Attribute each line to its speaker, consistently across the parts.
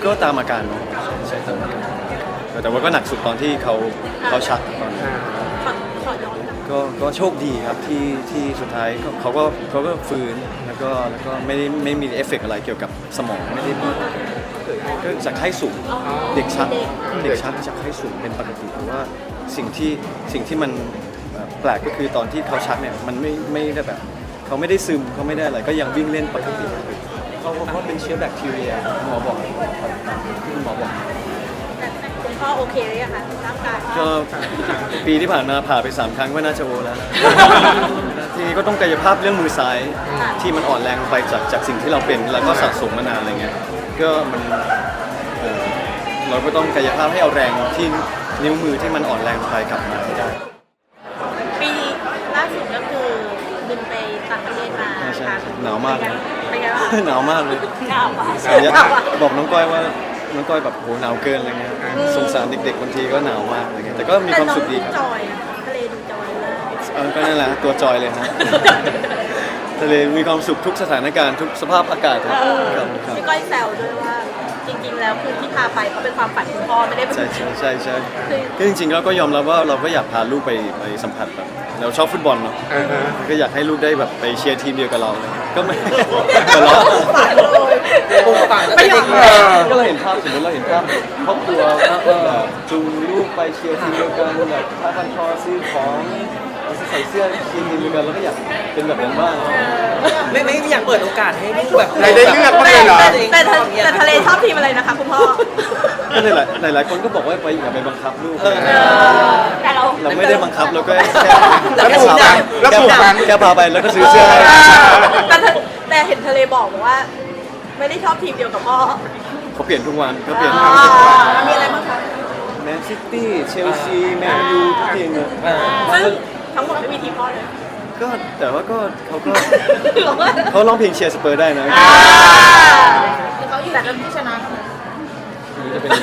Speaker 1: ก็ตามอาการเนาะใช่ตามอาการแต่ว่าก็หนักสุดตอนที่เขาชักตอนนั้น
Speaker 2: ขอย้อนกลับ
Speaker 1: ก็โชคดีครับที่สุดท้ายเขาก็ฟื้นแล้วก็ไม่มีเอฟเฟกต์อะไรเกี่ยวกับสมองไม่ได้มีก็จากไข้สูงเด็กชักจากไข้สูงเป็นปกติเพราะว่าสิ่งที่มันแปลกก็คือตอนที่เขาชักเนี่ยมันไม่ได้แบบเขาไม่ได้ซึมเขาไม่ได้อะไรก็ยังวิ่งเล่นปกติเขาเป็นเชื้อแบคทีเรียหมอบอกที่หมอบอก
Speaker 2: คุณพ่อโอเคหรือยังคะร่างกาย
Speaker 1: ก็ปีที่ผ่านมาผ่าไป3 ครั้งก็น่าจะโอแล้ว ทีนี้ก็ต้องกายภาพเรื่องมือซ้ายที่มันอ่อนแรงไปจากสิ่งที่เราเป็นแล้วก็สะสมมานานอะไรเงี้ยก็มันเราก็ต้องกายภาพให้เอาแรงที่นิ้วมือที่มันอ่อนแรงไปกลับมาให้ได้
Speaker 2: ปีล่าสุดก็คือบินไปต่างประเทศมา
Speaker 1: ใช่หนาวมากเลย
Speaker 2: เป็นไงบ้าง
Speaker 1: หนาวมากเลย
Speaker 2: หนาวมาก
Speaker 1: บอกน้องก้อยว่าน้องก้อยแบบโหหนาวเกินอะไรเงี้ยสงสารเด็กๆบางทีก็หนาวมากอะไรเงี้ยแต่ก็มีความสุขดีครับ
Speaker 2: จอยนะทะเลดูจอยมาก
Speaker 1: ก็นั่นแหละตัวจอยเลยฮะ ทะเลมีความสุขทุกสถานการณ์ทุกสภาพอากาศครับครับ
Speaker 2: พี่ก้อยแซวด้วยว่าจริงๆแล้วคือที่พาไปก็เป็นความฝันคุณพ่อไม่ได้เป็น
Speaker 1: ใช่ก็จริงๆแล้วก็ยอมรับว่าเราก็อยากพาลูกไปสัมผัสแบบเราชอบฟุตบอลเนาะก็อยากให้ลูกได้แบบไปเชียร์ทีมเดียวกับเราเลยก็ไม่ แต่เรา
Speaker 2: ฝันเลยไม่ยอม
Speaker 1: ก็เราเห็นภาพสมมติเราเห็นภาพครอบครัวจูงลูกไปเชียร์ทีมเดียวกันแบบผ้าพันคอซื้อของใส่เสื้อทีมเดียวกันแล้วก็อยากเป็นแบบนั้นบ้าง
Speaker 3: ไม่อยากเปิดโอกาสให้ลูกแบบ
Speaker 4: ได้เลือกบ้างเลยเหรอ
Speaker 2: แต่ทะเลชอบทีมอะไรนะคะคุณพ่อ
Speaker 1: ก็หลายคนก็บอกว่าอย่าไปบังคับลูก
Speaker 2: แต่เรา
Speaker 1: เราไม่ได้บังคับเราก็
Speaker 4: แล้วปลูกฝังแล้วปลูกฝัง
Speaker 1: แค่พาไปแล้วก็ซื้อเสื้อให้
Speaker 2: แต่เห็นทะเลบอกว่า ไม่ได้ชอบทีมเดียวกับพ่อ
Speaker 1: เขาเปลี่ยนทุกวันเขาเปลี่ยน
Speaker 2: มีอะไรบ้างคะ
Speaker 1: แมนซิตี้เชลซีแมนยูทุกทีมเลย
Speaker 2: ซึ่งทั้งหมดไม่มีทีมพ่อเลย
Speaker 1: ก็แต่ว่าก็เขาร้องเพลงเชียร์สเปอร์ได้นะ
Speaker 2: เขาอยู่แต่ก็ที่ชนะ
Speaker 1: จะเป็น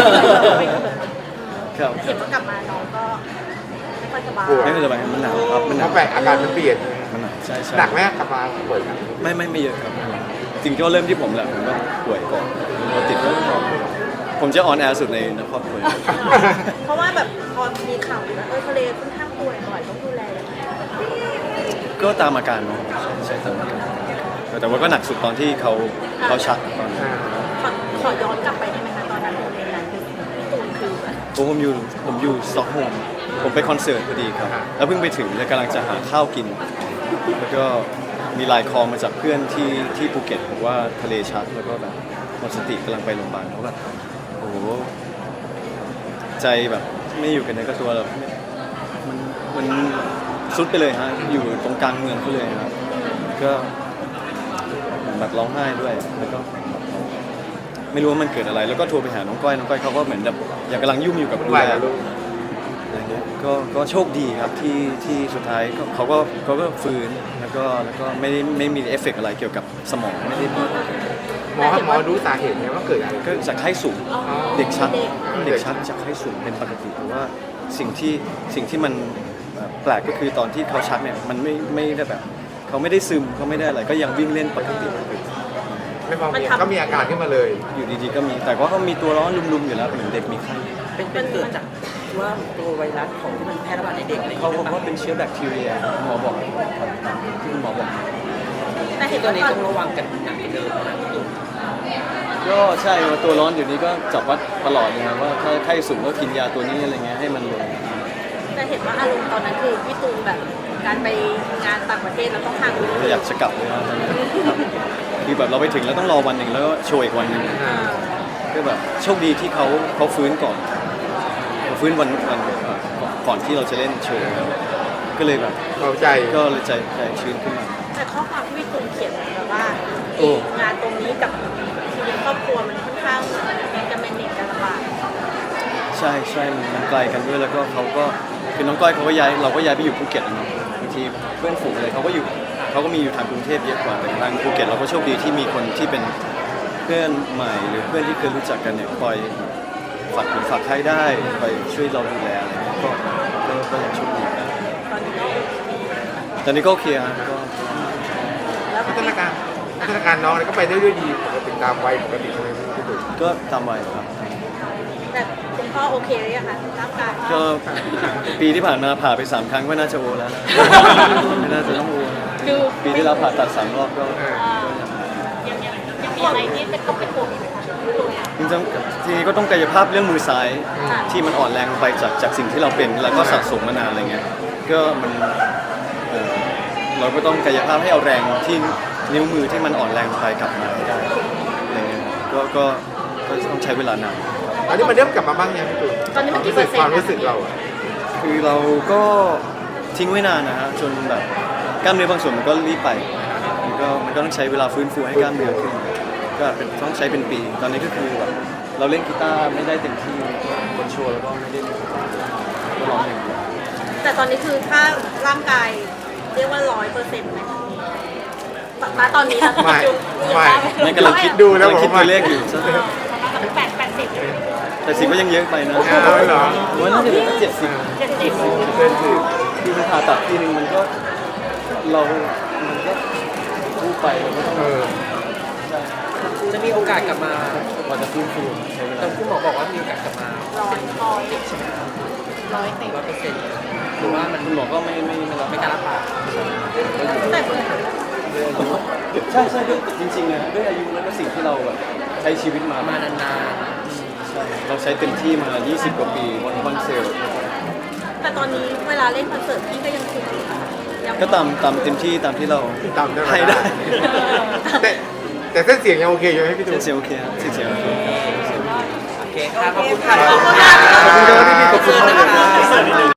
Speaker 1: ครับ
Speaker 2: เห็นว่ากลับมาน้องก็ไม่ค่อยสบาย
Speaker 1: ไม่เป็นไรมันหนาวครับมันห
Speaker 4: เพ
Speaker 1: นาว
Speaker 4: ราะแปลกอาการมันเปลี่ยน
Speaker 1: มันหนาวใช่
Speaker 4: หนักไหมกลับมาป่วยกัน
Speaker 1: ไม่เยอะครับจริงก็เริ่มที่ผมแหละผมก็ป่วยก่อนเราติดก็ผมจะออนแอร์สุดในครอบครัว
Speaker 2: เพราะว่าแบบพอมีข่าวว่าทะเลค่อนข้างป่วยบ่อยต้องดูแลยังไง
Speaker 1: ก็ตามอาการเนาะใช่ตามอาการแต่ว่าก็หนักสุดตอนที่เขาชักตอนนั้น
Speaker 2: ขอย้อนกลับไปได้ไหมคะตอนนั้นโมเมนต์นั้นคือพี่ตูนคือแบบ
Speaker 1: ผมอยู่สต็อกโฮล์มผมไปคอนเสิร์ตพอดีครับแล้วเพิ่งไปถึงแล้วกำลังจะหาข้าวกิน แล้วก็มีไลน์คอลมาจากเพื่อนที่ภูเก็ตบอกว่าทะเลชักแล้วก็แบบหมดสติกำลังไปโรงพยาบาลเขาแบบโอ้โหใจแบบไม่อยู่กันในกระตัวแบบมันซุดไปเลยฮะอยู่ตรงกลางเมืองเขาเลยครับก็แบบร้องไห้ด้วยแล้วก็ไม่รู้ว่ามันเกิดอะไรแล้วก็โทรไปหาน้องก้อยเขาก็เหมือนแบบอยากกำลังยุ่งอยู่กับดูแลลูกอะไรเงี้ยก็โชคดีครับที่สุดท้ายเขาก็ฟื้นแล้วก็ไม่มีเอฟเฟกต์อะไรเกี่ยวกับสมองไม่ได้มี
Speaker 4: หมอรู้สาเหตุไหมว่าเกิดอะไร
Speaker 1: ก็จากไข้สูงเด็กชักจากไข้สูงเป็นปกติเพราะว่าสิ่งที่มันแปลกก็คือตอนที่เขาชักเนี่ยมันไม่ได้แบบเขาไม่ได้ซึมเขาไม่ได้อะไรก็ยังวิ่งเล่นปกติ
Speaker 4: ไม่พอมีก็มีอาการขึ้นมาเลย
Speaker 1: อยู่ดีๆก็มีแต่ว่าก็มีตัวร้อนลุมๆอยู่แล้วเหมือนเด็กมีไข้
Speaker 3: เป็นเกิดจากว่าตัวไวรัสของที่มันแพร่ระบาดในเด็กอะไรอย่าง
Speaker 1: เขา
Speaker 3: เงี้ย
Speaker 1: บอกว่าเป็นเชื้อแบคทีเรียหมอบอกที่หมอบอก
Speaker 2: แต่เห็น
Speaker 3: ตัว
Speaker 2: ว่า
Speaker 3: นี้ต้องระวังกันหนักกว่าเดิมนะพี่ตูน
Speaker 1: ก็ใช่ตัวร้อนอยู่นี้ก็จับวัดตลอดเลยครับว่าถ้าไข้สูงก็กินยาตัวนี้อะไรเงี้ยให้มันลง
Speaker 2: แต่เห็นว่าอารมณ์ตอนนั้นคือพี่ตูนแบบการไปงานต่างประเทศเราต้องห่างลูก
Speaker 1: อยากจะกลับเลยครับตอนนี้ครับคือแบบเราไปถึงแล้วต้องรอวันหนึ่งแล้วก็โชว์อีกวันหนึ่งก็แบบโชคดีที่เขาฟื้นก่อนเขาฟื้นวันก่อนที่เราจะเล่นโชว์ก็เลยแบบ
Speaker 4: เข้าใจ
Speaker 1: ก็เลยใจชื้นขึ้นมา
Speaker 2: แต่ข้อความที่พี่ตูนเขียนแบบว่า
Speaker 1: โอ้
Speaker 2: งานตรงนี้กับชีวิตครอบครัวมันค่อนข้างจะแมเนจกันลำบาก
Speaker 1: ใช่มันไกลกันด้วยแล้วก็เขาก็คือน้องก้อยเขาก็ย้ายเราก็ย้ายไปอยู่ภูเก็ตนะบางทีเพื่อนฝูงอะไรเขาก็มีอยู่ทางกรุงเทพเยอะกว่าแต่ทางภูเก็ตเราก็โชคดีที่มีคนที่เป็นเพื่อนใหม่หรือเพื่อนที่เคยรู้จักกันเนี่ยคอยฝากใครได้คอยช่วยเราดูแลอะไรเงี้ยก็ยังโชคดี
Speaker 2: ตอนนี้ก็โอเค
Speaker 1: ตอนนี้ก็โอเคฮะก็
Speaker 2: แล้ว
Speaker 4: พัฒนาการน้องก็ไปได้ด้วยดีปกติตามวัยปกติใช่ไหมพี่ตุ๋ย
Speaker 1: ก็ตามวัยครับ
Speaker 2: แต่คุณพ่อโอเคหรือยังคะร่างกาย
Speaker 1: ก็ปีที่ผ่านมาผ่าไป3 ครั้งก็น่าจะโอแล้วนะไม่น่าจะต้องโอนะ
Speaker 2: คือ
Speaker 1: ปีที่แล้วผ่าตัด3 รอบก็
Speaker 2: ยังมีอะไรที่เป็นต้องเป็นห่วงอยู่ไหมคะ
Speaker 1: จริงๆทีนี้ก็ต้องกายภาพเรื่องมือซ้ายที่มันอ่อนแรงลงไปจากสิ่งที่เราเป็นแล้วก็สะสมมานานอะไรเงี้ยก็มันเราก็ต้องกายภาพให้เอาแรงที่นิ้วมือที่มันอ่อนแรงลงไปกลับมาให้ได้อะไรเงี้ยก็ต้องใช้เวลานาน
Speaker 4: ตอนนี้มันเริ่มกลับมาบ้างยังพี่ตุ๋ย
Speaker 2: ตอนนี้มันกี่เปอร์เซ็น
Speaker 4: ความ
Speaker 2: ต์
Speaker 4: รู้สึกเราอะ
Speaker 1: คือเราก็ทิ้งไว้นานนะฮะจนแบบกล้ามเนื้อบางส่วนมันก็รีบไปมันก็ต้องใช้เวลาฟื้นฟูให้กล้ามเนื้อขึ้นก็เป็นต้องใช้เป็นปี ตอนนี้ก็คือแบบเราเล่นกีตาร์ไม่ได้เต็มที่คนโชว์แล้วก็ไม่ได้เล่นก็ร้องอย่างเดียว
Speaker 2: แต่ตอนนี้คือถ้าร่างกายเรียกว่า100%ไหมณตอนนี้นะ
Speaker 1: ไม่กำลังคิด
Speaker 4: ดูแล้ว
Speaker 1: กำลังคิด
Speaker 4: ผมว่า
Speaker 1: ตัวเลขอยู่ แต่สิบก็ยังเยอะไปนะ
Speaker 4: เอาเหรอ
Speaker 1: ผมว่าน่าจะเหลือสัก70เกินคือที่ผ่าตัดทีนึงมันก็มันก็พูดไปมันก็ต้อง
Speaker 3: จะมีโอกาสกลับมา
Speaker 1: กว่าจะฟื้นฟูใช้เว
Speaker 3: แต่
Speaker 1: ลา
Speaker 3: คุณหมอบอกว่ามีโอกาสกลับมา 100%หรือว่ามัน
Speaker 1: คุณหมอก็ไม่รับ
Speaker 3: ไม่กล้ารับปาก
Speaker 2: แต่
Speaker 1: ใช่ด้วยจริงๆนะด้วยอายุแล้วก็สิ่งที่เราแบบใช้ชีวิตมา
Speaker 3: มานาน
Speaker 1: ใช่เราใช้เต็มที่มา20 กว่าปีบนคอนเสิร์ต
Speaker 2: แต่ตอนนี้เวลาเล่นคอนเสิร์ตพี่ก็ยังคุมอยู่นะคะยัง
Speaker 1: ก็ตามเต็มที่ตามที่เรา
Speaker 4: ตามได้
Speaker 1: ให้ได้
Speaker 4: แต่เส้นเสียงยังโอเคอยู่ไหมพี่ตุ๋ย
Speaker 1: เสียงโอเคครับเสียงโอเค
Speaker 3: ๆโอเคค่ะขอบคุณค่ะ
Speaker 2: ขอบคุณค่ะ
Speaker 1: ขอบคุณครับพี่ๆขอบคุณมากเลยนะ